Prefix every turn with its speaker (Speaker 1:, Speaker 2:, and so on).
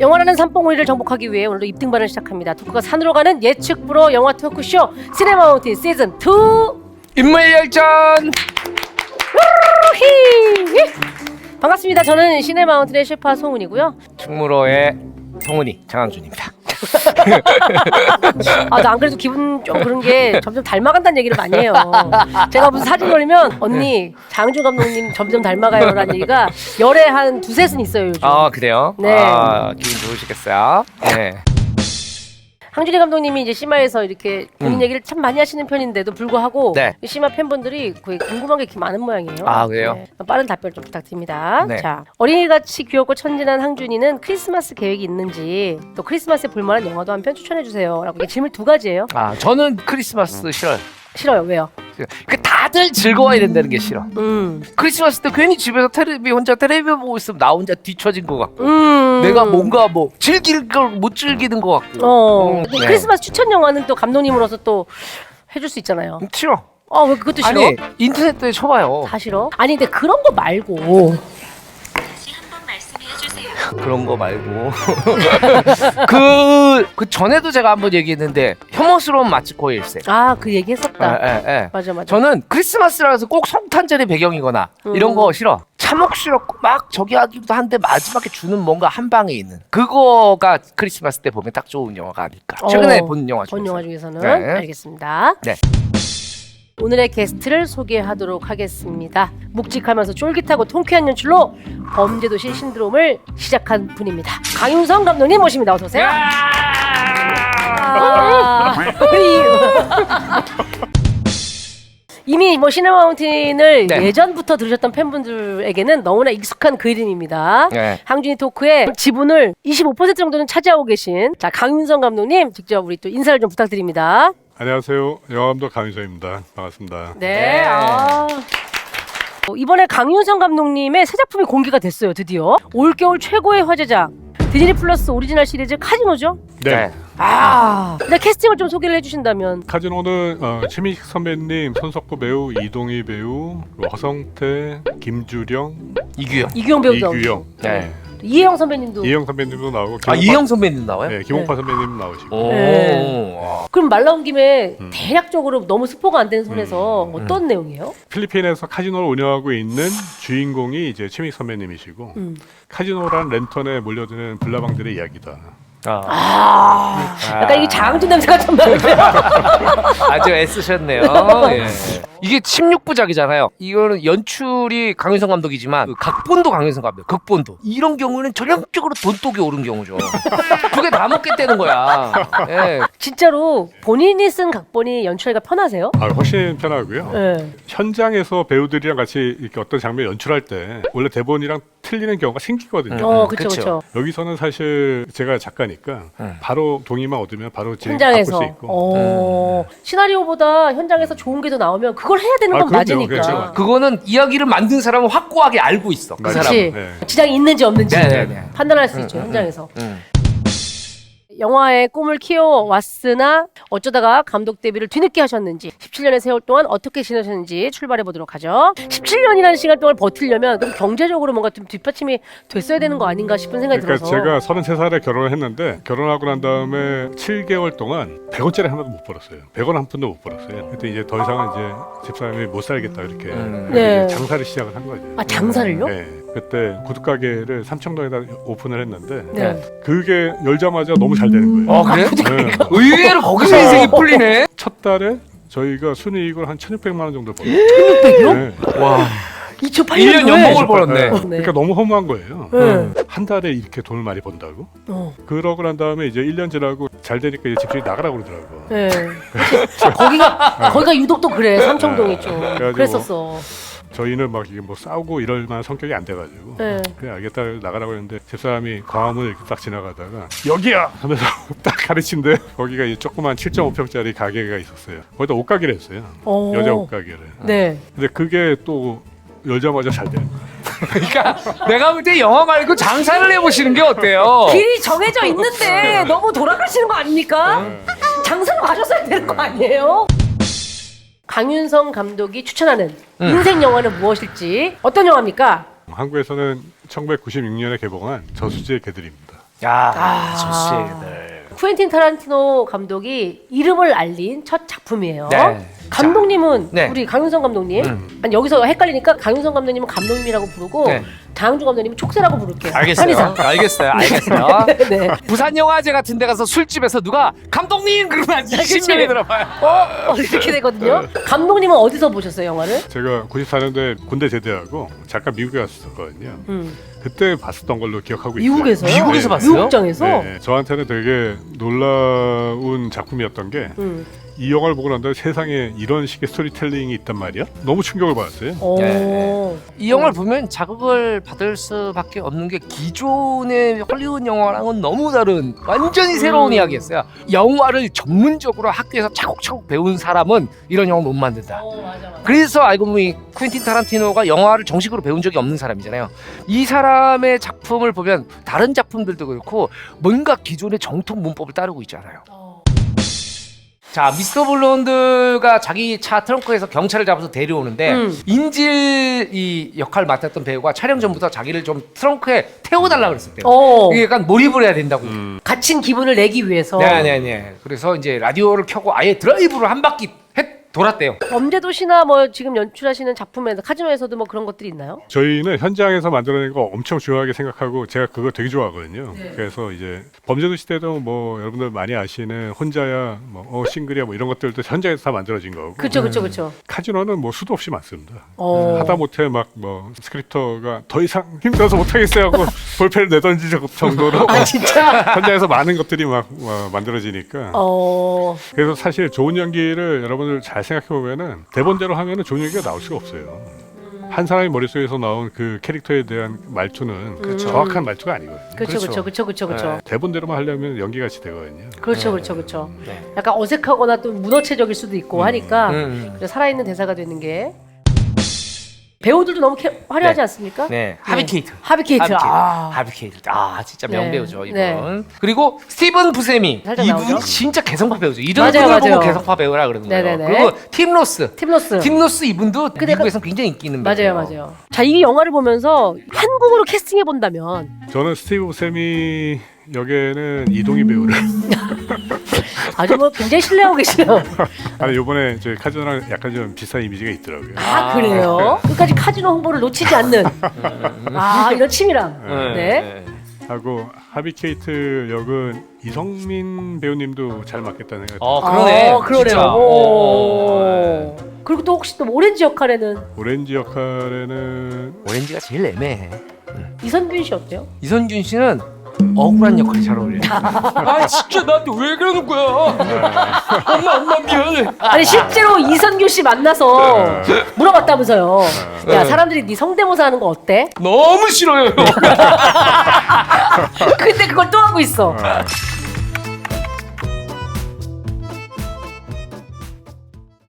Speaker 1: 영화라는 산봉우리를 정복하기 위해 오늘도 입등반을 시작합니다. 토크가 산으로 가는 예측 불허 영화 토크쇼 시네마운틴 시즌 2
Speaker 2: 인물열전.
Speaker 1: 반갑습니다. 저는 시네마운틴의 셰파 송은이고요.
Speaker 2: 충무로의 성훈이 장항준입니다.
Speaker 1: 아, 나 안 그래도 기분 좀 그런 게 점점 닮아간다는 얘기를 많이 해요. 제가 무슨 사진 올리면 언니 장항준 감독님 점점 닮아가요라는 얘기가 열에 한 두셋은 있어요 요즘.
Speaker 2: 아 그래요?
Speaker 1: 네.
Speaker 2: 아, 기분 좋으시겠어요? 네.
Speaker 1: 항준이 감독님이 이제 시마에서 이렇게 본인 얘기를 참 많이 하시는 편인데도 불구하고
Speaker 2: 네.
Speaker 1: 시마 팬분들이 거의 궁금한 게 이렇게 많은 모양이에요.
Speaker 2: 아, 그래요?
Speaker 1: 네. 빠른 답변 좀 부탁드립니다.
Speaker 2: 네.
Speaker 1: 자, 어린이같이 귀엽고 천진한 항준이는 크리스마스 계획이 있는지 또 크리스마스에 볼만한 영화도 한 편 추천해 주세요. 라고 질문 두 가지예요.
Speaker 2: 아 저는 크리스마스 싫어요.
Speaker 1: 싫어요. 왜요?
Speaker 2: 그 다들 즐거워야 된다는 게 싫어. 크리스마스 때 괜히 집에서 혼자 텔레비 보고 있으면 나 혼자 뒤처진 것 같고 내가 뭔가 뭐 즐길 걸 못 즐기는 것 같고.
Speaker 1: 네. 크리스마스 추천 영화는 또 감독님으로서 또 해줄 수 있잖아요.
Speaker 2: 싫어.
Speaker 1: 아, 왜 그것도 싫어?
Speaker 2: 아니 인터넷에 쳐봐요.
Speaker 1: 다 싫어? 아니 근데 그런 거 말고
Speaker 2: 그런 거 말고 그 전에도 제가 한번 얘기했는데 혐오스러운 마츠코의 일생.
Speaker 1: 아, 그 얘기 했었다.
Speaker 2: 예.
Speaker 1: 맞아.
Speaker 2: 저는 크리스마스라서 꼭 성탄절의 배경이거나 이런 거 싫어. 참혹스럽고 막 저기 하기도 한데 마지막에 주는 뭔가 한 방에 있는 그거가 크리스마스 때 보면 딱 좋은 영화가 아닐까. 최근에 본 영화 중에서.
Speaker 1: 본 영화 중에서는
Speaker 2: 네.
Speaker 1: 알겠습니다.
Speaker 2: 네.
Speaker 1: 오늘의 게스트를 소개하도록 하겠습니다. 묵직하면서 쫄깃하고 통쾌한 연출로 범죄도시 신드롬을 시작한 분입니다. 강윤성 감독님 모십니다. 어서 오세요. 이미 뭐 시네마운틴을
Speaker 2: 네.
Speaker 1: 예전부터 들으셨던 팬분들에게는 너무나 익숙한 그 이름입니다.
Speaker 2: 네.
Speaker 1: 항준이 토크의 지분을 25% 정도는 차지하고 계신 자 강윤성 감독님 직접 우리 또 인사를 좀 부탁드립니다.
Speaker 3: 안녕하세요. 영화감독 강윤성입니다. 반갑습니다.
Speaker 1: 네. 이번에 강윤성 감독님의 새 작품이 공개가 됐어요. 드디어 올겨울 최고의 화제작 디즈니 플러스 오리지널 시리즈 카지노죠?
Speaker 3: 네.
Speaker 1: 일단 캐스팅을 좀 소개를 해주신다면.
Speaker 3: 카지노는 최민식 선배님, 손석구 배우, 이동희 배우, 허성태, 김주령,
Speaker 1: 이규영 배우도
Speaker 3: 이규영,
Speaker 2: 네.
Speaker 1: 이혜영 선배님도.
Speaker 3: 이혜영 선배님도 나오고
Speaker 2: 이혜영 선배님 나와요?
Speaker 3: 네, 김홍파 선배님 나오시고.
Speaker 2: 오.
Speaker 1: 네. 그럼 말 나온 김에 대략적으로 너무 스포가 안 되는 선에서 어떤 내용이에요?
Speaker 3: 필리핀에서 카지노를 운영하고 있는 주인공이 이제 최민식 선배님이시고 카지노란 랜턴에 몰려드는 불나방들의 이야기다.
Speaker 1: 약간 이게 장항준 냄새가 좀 나는데요.
Speaker 2: 아주 애쓰셨네요. 예. 이게 16부작이잖아요. 이거는 연출이 강윤성 감독이지만 그 각본도 강윤성 감독. 극본도. 이런 경우는 전형적으로 돈독이 오른 경우죠. 두 개 다 먹겠다는 거야. 예.
Speaker 1: 진짜로 본인이 쓴 각본이 연출하기가 편하세요?
Speaker 3: 훨씬 편하고요.
Speaker 1: 네.
Speaker 3: 현장에서 배우들이랑 같이 이렇게 어떤 장면 연출할 때 원래 대본이랑 틀리는 경우가 생기거든요.
Speaker 1: 그렇죠.
Speaker 3: 여기서는 사실 제가 작가니까 바로 동의만 얻으면 바로 바꿀
Speaker 1: 현장에서.
Speaker 3: 수 있고.
Speaker 1: 시나리오보다 현장에서 좋은 게 더 나오면 그걸 해야 되는 건
Speaker 3: 그럼요.
Speaker 1: 맞으니까.
Speaker 3: 그렇죠.
Speaker 2: 그거는 이야기를 만든 사람은 확고하게 알고 있어. 그
Speaker 3: 맞아요.
Speaker 2: 사람은.
Speaker 1: 그렇지.
Speaker 3: 네.
Speaker 1: 지장이 있는지 없는지
Speaker 2: 네.
Speaker 1: 판단할 수 있죠 현장에서. 영화의 꿈을 키워왔으나 어쩌다가 감독 데뷔를 뒤늦게 하셨는지 17년의 세월 동안 어떻게 지내셨는지 출발해 보도록 하죠. 17년이라는 시간 동안 버티려면 그럼 경제적으로 뭔가 좀 뒷받침이 됐어야 되는 거 아닌가 싶은 생각이
Speaker 3: 그러니까
Speaker 1: 들어서.
Speaker 3: 제가 33살에 결혼을 했는데 결혼하고 난 다음에 7개월 동안 100원짜리 하나도 못 벌었어요. 100원 한 푼도 못 벌었어요. 그때 이제 더 이상은 이제 집사람이 못 살겠다 이렇게
Speaker 1: 네.
Speaker 3: 이제 장사를 시작을 한 거죠.
Speaker 1: 아, 장사를요?
Speaker 3: 네. 그때 구두가게를 삼청동에다 오픈을 했는데
Speaker 1: 네.
Speaker 3: 그게 열자마자 너무 잘 되는 거예요.
Speaker 2: 그래?
Speaker 3: 네.
Speaker 2: 의외로 거기서 인생이 풀리네.
Speaker 3: 첫 달에 저희가 순이익을 한 1,600만 원 정도 벌었어요.
Speaker 1: 1600이요?
Speaker 3: 네.
Speaker 2: 와.
Speaker 1: 2008년도에
Speaker 2: 1년 연봉을 벌었네.
Speaker 3: 그러니까 너무 허무한 거예요.
Speaker 1: 네.
Speaker 3: 한 달에 이렇게 돈을 많이 번다고? 그러고 난 다음에 이제 1년 지나고 잘 되니까 이제 집주인이 나가라고 그러더라고.
Speaker 1: 네. 거기가 유독 또 그래. 삼청동이 좀
Speaker 3: 그래가지고
Speaker 1: 그랬었어.
Speaker 3: 저희는 막 이게 뭐 싸우고 이럴 만한 성격이 안 돼가지고
Speaker 1: 네.
Speaker 3: 그냥 알겠다 나가라고 했는데 집사람이 광화문을 이렇게 딱 지나가다가 여기야 하면서 딱 가르친데 거기가 이제 조그만 7.5평짜리 가게가 있었어요. 거기다 옷가게를 했어요. 여자 옷가게를.
Speaker 1: 네.
Speaker 3: 근데 그게 또 열자마자 잘 되는 거예요.
Speaker 2: 그러니까 내가 볼 때 영화 말고 장사를 해보시는 게 어때요?
Speaker 1: 길이 정해져 있는데 너무 돌아가시는 거 아닙니까? 장사로 가셨어야 되는 거 아니에요? 강윤성 감독이 추천하는 인생 영화는 무엇일지 어떤 영화입니까?
Speaker 3: 한국에서는 1996년에 개봉한 저수지의 개들입니다.
Speaker 2: 야, 좋습니다.
Speaker 1: 쿠엔틴 타란티노 감독이 이름을 알린 첫 작품이에요.
Speaker 2: 네.
Speaker 1: 감독님은
Speaker 2: 네.
Speaker 1: 우리 강윤성 감독님. 아니, 여기서 헷갈리니까 강윤성 감독님은 감독님이라고 부르고
Speaker 2: 네.
Speaker 1: 장항준 감독님은 촉새라고 부를게요.
Speaker 2: 알겠어요.
Speaker 1: 편의상.
Speaker 2: 알겠어요.
Speaker 1: 네.
Speaker 2: 부산 영화제 같은 데 가서 술집에서 누가 감독님 그러면 한 20명이 들어봐요.
Speaker 1: 이렇게 되거든요. 감독님은 어디서 보셨어요, 영화를?
Speaker 3: 제가 94년도에 군대 제대하고 잠깐 미국에 갔었거든요. 그때 봤었던 걸로 기억하고 있어요.
Speaker 1: 미국에서요?
Speaker 2: 미국에서
Speaker 3: 네.
Speaker 2: 봤어요?
Speaker 1: 미국장에서?
Speaker 3: 네, 저한테는 되게 놀라운 작품이었던 게 이 영화를 보고 난 다음에 세상에 이런 식의 스토리텔링이 있단 말이야? 너무 충격을 받았어요.
Speaker 1: 오.
Speaker 2: 네. 이 영화를 보면 자극을 받을 수밖에 없는 게 기존의 헐리우드 영화랑은 너무 다른 완전히 새로운 이야기였어요. 영화를 전문적으로 학교에서 차곡차곡 배운 사람은 이런 영화 못 만든다.
Speaker 1: 맞아.
Speaker 2: 그래서 알고 보니 쿠엔틴 타란티노가 영화를 정식으로 배운 적이 없는 사람이잖아요. 이 사람의 작품을 보면 다른 작품들도 그렇고 뭔가 기존의 정통 문법을 따르고 있잖아요. 자, 미스터 블론드가 자기 차 트렁크에서 경찰을 잡아서 데려오는데 인질 이 역할을 맡았던 배우가 촬영 전부터 자기를 좀 트렁크에 태워달라 그랬었대요. 이게 약간 몰입을 해야 된다고.
Speaker 1: 갇힌 기분을 내기 위해서.
Speaker 2: 네네네. 그래서 이제 라디오를 켜고 아예 드라이브를 한 바퀴 돌았대요.
Speaker 1: 범죄도시나 뭐 지금 연출하시는 작품에서 카지노에서도 뭐 그런 것들이 있나요?
Speaker 3: 저희는 현장에서 만들어낸 거 엄청 중요하게 생각하고 제가 그거 되게 좋아하거든요. 그래서 이제 범죄도시 때도 뭐 여러분들 많이 아시는 혼자야, 뭐 싱글이야, 뭐 이런 것들도 현장에서 다 만들어진 거고.
Speaker 1: 그렇죠.
Speaker 3: 카지노는 뭐 수도 없이 많습니다.
Speaker 1: 어.
Speaker 3: 하다 못해 막 뭐 스크립터가 더 이상 힘들어서 못하겠어요 하고 볼펜을 내던질 정도로
Speaker 1: 아 진짜?
Speaker 3: 현장에서 많은 것들이 막 만들어지니까. 그래서 사실 좋은 연기를 여러분들 잘 생각해 보면은 대본대로 하면은 좋은 연기가 나올 수가 없어요. 한 사람의 머릿속에서 나온 그 캐릭터에 대한 말투는 정확한 말투가 아니거든요.
Speaker 1: 그렇죠.
Speaker 3: 대본대로만 하려면 연기같이 되거든요.
Speaker 1: 그렇죠.
Speaker 2: 네.
Speaker 1: 약간 어색하거나 또 문어체적일 수도 있고 하니까 그래서 살아있는 대사가 되는 게 배우들도 너무 화려하지
Speaker 2: 네.
Speaker 1: 않습니까?
Speaker 2: 네, 하비케이트.
Speaker 1: 하비케이트.
Speaker 2: 하비케이트. 아, 진짜 명배우죠, 이분.
Speaker 1: 네.
Speaker 2: 그리고 스티븐 부세미.
Speaker 1: 살짝
Speaker 2: 이분
Speaker 1: 나오죠?
Speaker 2: 진짜 개성파 배우죠. 이런
Speaker 1: 맞아요,
Speaker 2: 분을
Speaker 1: 맞아요.
Speaker 2: 보고 개성파 배우라 그러는 거예요.
Speaker 1: 네네네.
Speaker 2: 그리고 팀 로스.
Speaker 1: 팀 로스.
Speaker 2: 이분도
Speaker 1: 근데
Speaker 2: 미국에서 굉장히 인기 있는 배우예요.
Speaker 1: 맞아요. 자, 이 영화를 보면서 한국으로 캐스팅해 본다면
Speaker 3: 저는 스티브 부세미 역에는 이동희 배우를
Speaker 1: 아주 뭐 굉장히 신뢰하고 계시네요.
Speaker 3: 아니 요번에 저희 카지노랑 약간 좀 비슷한 이미지가 있더라고요.
Speaker 1: 아, 그래요? 끝까지 카지노 홍보를 놓치지 않는 이런 치밀함. 네.
Speaker 3: 하고 하비케이트 역은 이성민 배우님도 잘 맡겠다는 생각이
Speaker 2: 그러네.
Speaker 1: 그러네요.
Speaker 2: 진짜.
Speaker 1: 오. 그리고 또 혹시 또 오렌지 역할에는
Speaker 3: 오렌지 역할에는
Speaker 2: 오렌지가 제일 애매해.
Speaker 1: 이선균 씨 어때요?
Speaker 2: 이선균 씨는 억울한 역할이 잘 어울려요. 아 진짜 나한테 왜 그러는 거야? 엄마 미안해.
Speaker 1: 아니 실제로 이선균 씨 만나서 물어봤다면서요. 야, 사람들이 네 성대모사 하는 거 어때?
Speaker 2: 너무 싫어요.
Speaker 1: 근데 그걸 또 하고 있어.